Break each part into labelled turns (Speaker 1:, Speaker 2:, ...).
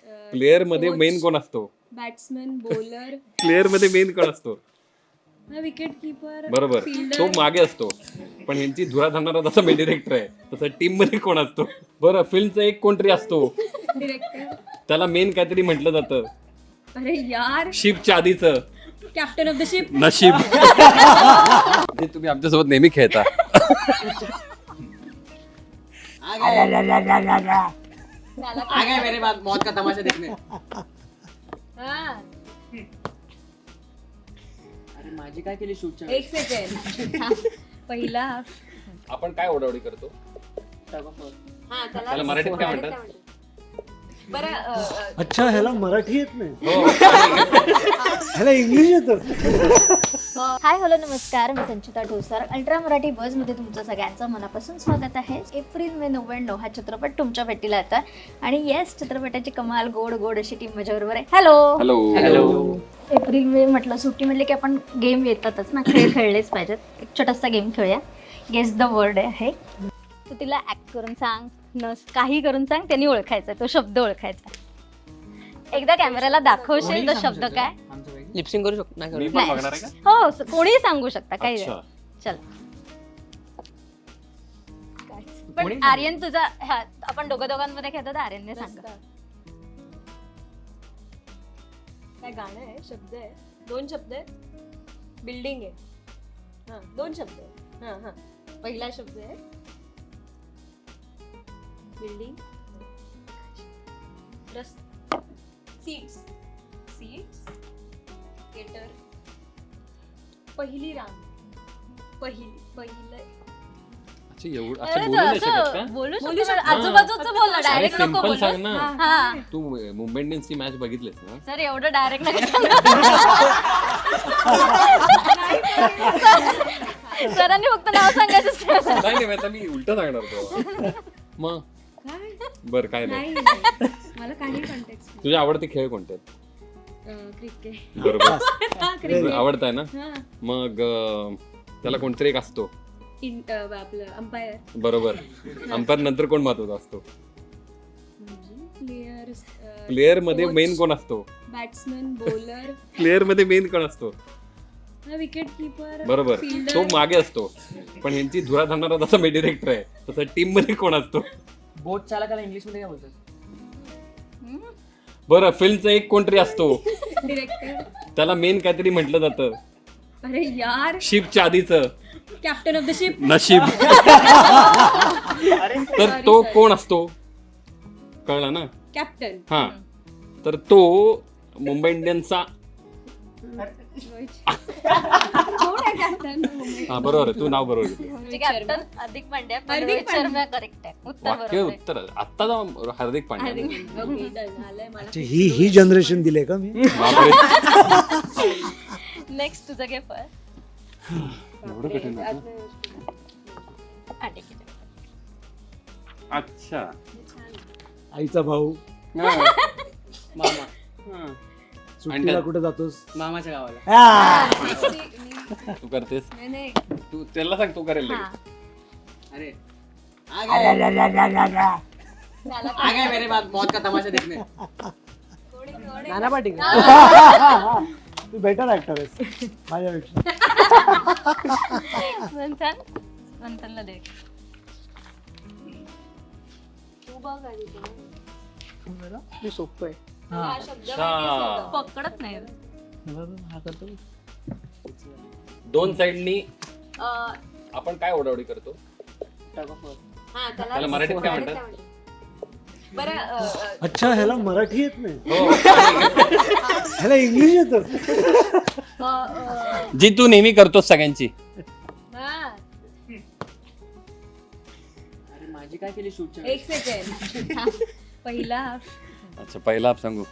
Speaker 1: Player मध्ये main कोण असतो?
Speaker 2: बॅट्समन, बॉलर,
Speaker 1: प्लेयर मध्ये मेन कोण असतो?
Speaker 2: Wicket keeper.
Speaker 1: बरोबर, तो मागे असतो. पण ह्यांची धुरा धरणारा जसा मी डिरेक्टर आहे तसं टीम मध्ये कोण असतो? बरं, फिल्मचा एक कोणतरी असतो,
Speaker 2: डिरेक्टर.
Speaker 1: त्याला मेन काहीतरी म्हटलं जातं.
Speaker 2: अरे यार,
Speaker 1: शिपच्या आधीचं
Speaker 2: कॅप्टन ऑफ द शिप.
Speaker 1: नशीब. जे तुम्ही आमच्यासोबत नेहमी खेळता.
Speaker 3: आ गए मेरे बाद मौत का तमाशा देखने. अरे माझी काय केली शूटच्या
Speaker 2: एक सेकंड. पहिला
Speaker 1: आपण काय ओढावडी करतो? त्याला मराठीत काय म्हणतात?
Speaker 2: बरं.
Speaker 4: अच्छा, ह्याला मराठी येत नाही,
Speaker 1: हो.
Speaker 4: ह्याला इंग्लिश येतं.
Speaker 5: हाय हॅलो नमस्कार, मी संचिता ठोसर. अल्ट्रा मराठी बज मध्ये तुमचं सगळ्यांचं मनापासून स्वागत आहे. एप्रिल मे 99 हा चित्रपट तुमच्या भेटीला येतोय आणि येस, चित्रपटाची कमाल गोड गोड अशी टीम माझ्याबरोबर आहे. Hello
Speaker 1: hello.
Speaker 5: एप्रिल मे म्हटलं, सुट्टी म्हटलं की आपण गेम येतातच ना, खेळ खेळलेच पाहिजेत. एक छोटासा गेम खेळूया. गेस द वर्ड आहे. तू तिला ऍक्ट करून सांग, काही करून सांग, त्यांनी ओळखायचा, तो शब्द ओळखायचा. एकदा कॅमेराला दाखवशील तो शब्द काय?
Speaker 3: लिपसिंग करू शकतो
Speaker 1: मी पण बघणार आहे का?
Speaker 5: हो, कोणीही सांगू शकता, काही
Speaker 1: अच्छा.
Speaker 5: चल. पण आर्यन तुझा आपण दोघांमध्ये खेळतो तर आर्यनने सांग.
Speaker 2: काय गाणं आहे? शब्द आहे, 2 शब्द आहे. बिल्डिंग आहे. हा, 2 शब्द आहे. हा. पहिला शब्द आहे बिल्डिंग. सीट्स. थिएटर. पहिली रांग. पहिलं.
Speaker 1: अच्छा, एवढं असं बोलू नाही शकत का?
Speaker 5: बोलू शकतो, आजूबाजूचं बोल, डायरेक्ट नको
Speaker 1: सिंपल
Speaker 5: बोलू.
Speaker 1: सांग ना.
Speaker 5: हा
Speaker 1: तू मुंबई इंडियन्सची मॅच बघितलीस ना?
Speaker 5: सर, एवढं डायरेक्ट नका. सरांनी फक्त नाव सांगायचं.
Speaker 1: नाही, आता मी उलट सांगणार होतो. मग बर, काय नाही.
Speaker 2: मला काही कॉन्टेक्स्ट.
Speaker 1: तुझे आवडते खेळ कोणते आहेत?
Speaker 2: क्रिकेट.
Speaker 1: बरोबर, आवडत आहे ना? मग त्याला कोणतरी एक असतो.
Speaker 2: आपलं अंपायर.
Speaker 1: बरोबर, अंपायर नंतर कोण महत्वाचा असतो?
Speaker 2: प्लेयर
Speaker 1: मध्ये मेन कोण असतो?
Speaker 2: बॅट्समन, बॉलर,
Speaker 1: प्लेयर मध्ये मेन कोण असतो?
Speaker 2: Wicket keeper.
Speaker 1: बरोबर, तो मागे असतो. पण ह्यांची धुरा धरणारा जसा मी डिरेक्टर आहे तसं टीम मध्ये कोण असतो?
Speaker 3: बोट चालकाला इंग्लिश मध्ये काय बोलतात?
Speaker 1: बरं, फिल्मचा एक कोणतरी असतो,
Speaker 2: डिरेक्टर.
Speaker 1: त्याला मेन काहीतरी म्हटलं जातं.
Speaker 2: अरे यार,
Speaker 1: शिपच्या आधीचं
Speaker 2: कॅप्टन ऑफ द शिप.
Speaker 1: नशीब. तर तो कोण असतो? कळला ना?
Speaker 2: कॅप्टन.
Speaker 1: हा, तर तो मुंबई इंडियन्सचा.
Speaker 2: कॅप्टन.
Speaker 1: हा, बरोबर आहे, तू नाव बरोबर घेतलं.
Speaker 5: कॅप्टन हार्दिक पांड्या.
Speaker 2: हार्दिक पांड्या.
Speaker 5: करेक्ट आहे उत्तर.
Speaker 1: वाक्य
Speaker 5: बरोबर आहे.
Speaker 1: उत्तर आत्ता जाऊन हार्दिक पांड्या.
Speaker 4: अच्छा, ही जनरेशन दिले का मी?
Speaker 1: बापरे.
Speaker 5: नेक्स्ट तुझं घे पण.
Speaker 1: एवढं कठीण होतं?
Speaker 5: ठीक आहे.
Speaker 1: अच्छा.
Speaker 4: आईचा भाऊ.
Speaker 3: मामा.
Speaker 4: सुट्टीला कुठे जातोस?
Speaker 3: मामाच्या गावाला.
Speaker 1: तू करतेस?
Speaker 2: नाही.
Speaker 1: तू त्याला सांग, तू करेल लगेच.
Speaker 3: अरे आ गए मेरे बाद मौत का तमाशा देखने. नाना पाटील.
Speaker 4: तू बेटर ऍक्टर आहेस माझ्यापेक्षा.
Speaker 5: मंथनला दे.
Speaker 2: तू बघ आधी ते.
Speaker 3: मी सोपं आहे.
Speaker 2: हा शब्द
Speaker 1: अच्छा.
Speaker 5: पकडत नाही.
Speaker 3: हा करतो.
Speaker 1: दोन साइडनी आपण काय ओढावडी करतो?
Speaker 2: हा,
Speaker 1: त्याला मराठीत काय म्हणतात?
Speaker 2: बरं.
Speaker 4: अच्छा, ह्याला मराठी येत नाही,
Speaker 1: हो.
Speaker 4: ह्याला इंग्लिश येतं.
Speaker 1: जी तू नेहमी करतोस सगळ्यांची.
Speaker 2: हा,
Speaker 3: अरे माझी काय केली शूटच्या
Speaker 2: एक सेकंड. पहिला
Speaker 1: अच्छा, पहिला आप सांगू.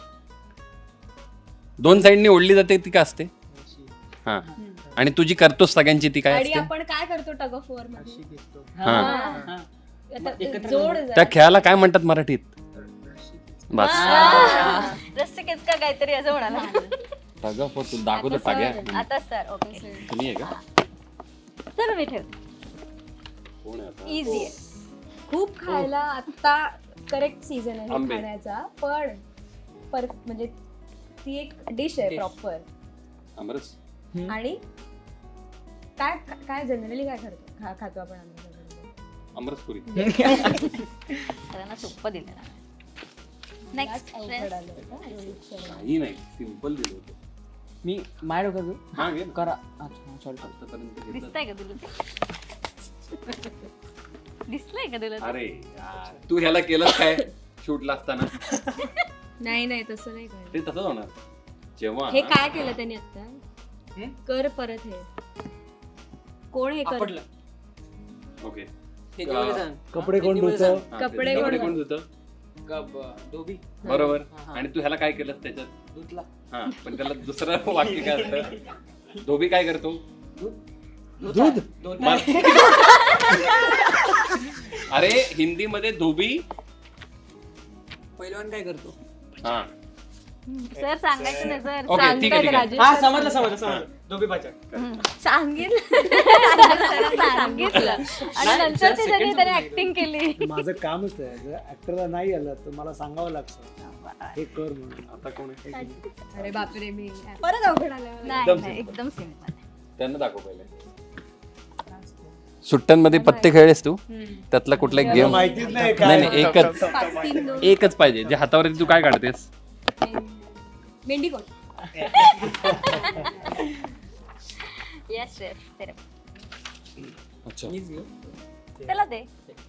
Speaker 1: दोन साइडनी ओढली जाते ती काय असते? हा, आणि तुझी करतोस सगळ्यांची ती काय
Speaker 2: आणि
Speaker 1: असते?
Speaker 2: आपण काय करतो टग ऑफ वॉर मध्ये?
Speaker 1: हा,
Speaker 2: आता जोड
Speaker 1: त्या खेळाला काय म्हणतात मराठीत? बस,
Speaker 5: रस्ते केचका काहीतरी असं म्हणाला.
Speaker 1: टागा फॉर तू दाखवतो टाग्या.
Speaker 5: आता सर ओके.
Speaker 1: तुम्ही आहे का?
Speaker 5: चल मी ठेव.
Speaker 1: कोण आहे आता?
Speaker 5: इझी आहे.
Speaker 2: खूप खायला आता करेक्ट सीझन आहे
Speaker 1: आंबे.
Speaker 2: खाण्याचा, पण म्हणजे ती एक डिश आहे
Speaker 3: Dish.
Speaker 2: प्रॉपर.
Speaker 1: आमरस.
Speaker 2: आणि काय काय जनरली काय खातो आपण आमरसाबरोबर?
Speaker 1: आमरसपुरी.
Speaker 5: सगळ्यांना सोपं दिलेलं आहे. नेक्स्ट
Speaker 2: त्याच अवघड आलं होतं रोहित शर्मा.
Speaker 1: काही नाही, सिम्पल दिलं होतं.
Speaker 3: मी माझ्या डोक्यात
Speaker 1: हा, घे ना.
Speaker 3: करा. अच्छा सॉरी.
Speaker 1: आतापर्यंत घेतलं.
Speaker 5: दिसतंय का तुला ते? दिसलंय का तुला ते?
Speaker 1: अरे यार, तू ह्याला केलंस काय शूटला असताना?
Speaker 2: नाही तसं नाही कळलं.
Speaker 1: ते तसंच होणार जेव्हा
Speaker 2: हे काय केलं त्यांनी आता?
Speaker 3: हम्म?
Speaker 2: कर परत हे. कोण हे कर?
Speaker 3: आपटलं.
Speaker 1: ओके.
Speaker 3: हे जेवढे सांग.
Speaker 4: कपडे कोण
Speaker 3: हिंदीमध्ये
Speaker 4: धुतं?
Speaker 3: सांग.
Speaker 2: कपडे
Speaker 1: कपडे
Speaker 2: कोण
Speaker 1: कोण धुतं?
Speaker 3: धोबी
Speaker 1: बरोबर.
Speaker 3: हा, हा.
Speaker 1: आणि तू ह्याला काय केलंस त्याच्यात?
Speaker 3: धुतला.
Speaker 1: हा, पण त्याला दुसरं वाक्य काय असतं? धोबी काय करतो?
Speaker 4: दूध
Speaker 1: अरे हिंदीमध्ये धोबी.
Speaker 3: पहिलवान काय करतो?
Speaker 1: हा
Speaker 5: सर सांगायचं नाही सर.
Speaker 1: ओके, ठीक आहे, ठीक आहे.
Speaker 2: राजेश
Speaker 3: हा
Speaker 2: सर
Speaker 3: समजलं. धोबी पाचक.
Speaker 5: सांगितलं आणि नंतर ती त्याने ऍक्टिंग केली.
Speaker 4: माझं कामच आहे, जर ऍक्टरला नाही आलं तर मला सांगावं लागतं हे कर म्हणून.
Speaker 1: आता कोण आहे?
Speaker 2: अरे बापरे, मी परत अवघड आलं.
Speaker 5: नाही नाही, एकदम सिम्पल.
Speaker 1: त्यांना दाखव पहिले. सुट्ट्यांमध्ये पत्ते खेळलेस तू? त्यातला कुठला एक गेम?
Speaker 4: माहितीच नाही
Speaker 1: नाही नाही, एकच
Speaker 2: 5-3-2.
Speaker 1: एकच पाहिजे जे हातावर येते. तू काय काढतेस?
Speaker 2: मेंढी कोण?
Speaker 5: येस शेफ तेरे
Speaker 1: अच्छा
Speaker 3: मीच घेऊ.
Speaker 5: त्याला दे.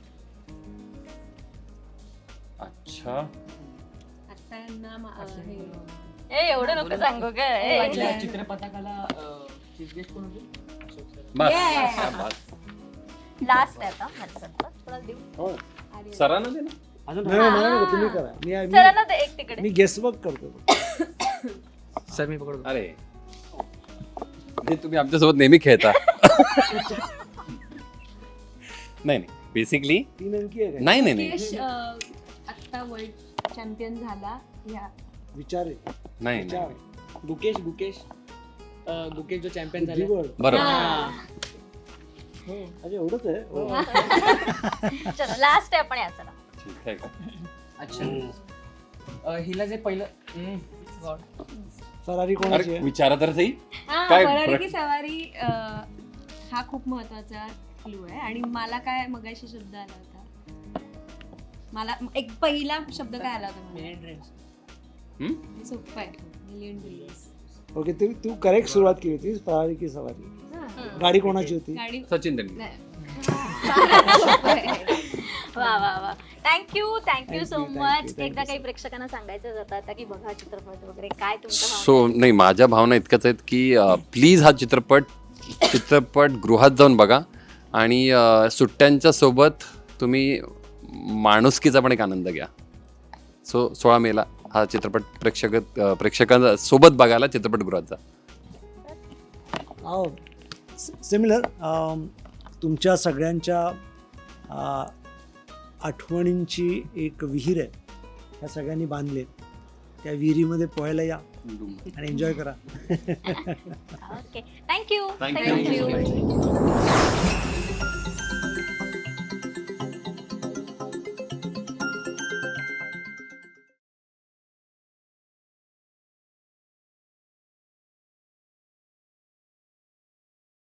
Speaker 1: अच्छा.
Speaker 2: आता यांना
Speaker 5: ए एवढं नको सांगू का ए.
Speaker 3: आपल्या चित्रपटाला चीफ गेस्ट कोण होते?
Speaker 1: बस.
Speaker 2: Yeah.
Speaker 1: हा, बस.
Speaker 5: लास्ट आहे आता माझ्याकडचं. थोडा देऊ.
Speaker 1: हो. सरांना दे ना.
Speaker 3: अजून
Speaker 4: नाही नाही, नाही, तुम्ही करा.
Speaker 5: सरांना दे एक तिकडे.
Speaker 4: मी गेसवर्क करतो.
Speaker 3: सर मी पकडतो.
Speaker 1: अरे म्हणजे तुम्ही आमच्यासोबत नेहमी खेळता. नाही नाही, बेसिकली
Speaker 4: तीन अंकी आहे काय?
Speaker 1: नाही नाही नाही
Speaker 2: यश आता वर्ल्ड चॅम्पियन झाला ह्या
Speaker 4: विचार आहे.
Speaker 1: नाही
Speaker 4: विचार
Speaker 1: नाही.
Speaker 3: गुकेश जो चॅम्पियन झाले.
Speaker 4: बुद्धिबळ.
Speaker 1: बरोबर.
Speaker 4: हो, अरे एवढंच आहे. हो.
Speaker 5: चलो लास्ट आहे आपण याचा.
Speaker 1: ठीक आहे का?
Speaker 3: अच्छा. हिला जे पहिलं God.
Speaker 4: फरारी कोणाची
Speaker 1: अरे
Speaker 4: आहे?
Speaker 1: विचारा तर सही.
Speaker 2: हा,
Speaker 1: काय
Speaker 2: फरारी
Speaker 1: प्र-
Speaker 2: की सवारी हा खूप महत्वाचा क्लू आहे. आणि मला काय मगाशी शब्द आला होता, मला एक पहिला शब्द काय आला होता मला?
Speaker 3: Million Dreams.
Speaker 1: हम्म?
Speaker 2: हे सोपं आहे. Million dreams.
Speaker 4: ओके, तू करेक्ट सुरुवात केली होती. फरारी की सवारी. गाडी कोणाची होती?
Speaker 2: गाडी
Speaker 1: सचिन तेंडुलकर.
Speaker 2: नाही.
Speaker 5: वा वा वा. Thank you so
Speaker 4: Thank you,
Speaker 5: much.
Speaker 4: thank
Speaker 5: एकदा
Speaker 4: you,
Speaker 5: काही प्रेक्षकांना सांगायचं जातं आता की बघा चित्रपट वगैरे काय तुमचं
Speaker 1: सो नाही, माझ्या भावना इतक्याच आहेत की प्लीज हा चित्रपट गृहात जाऊन बघा. आणि सुट्ट्यांच्या सोबत तुम्ही माणुसकीचा पण एक आनंद घ्या. सो 16 मेला हा चित्रपट प्रेक्षकांच्या सोबत बघायला चित्रपटगृहात जा.
Speaker 4: सिमिलर तुमच्या सगळ्यांच्या आठवणींची एक विहीर आहे. ह्या सगळ्यांनी बांधले. त्या विहिरीमध्ये पोहायला या आणि एन्जॉय करा.
Speaker 5: Okay thank you
Speaker 1: Thank you.
Speaker 5: Thank you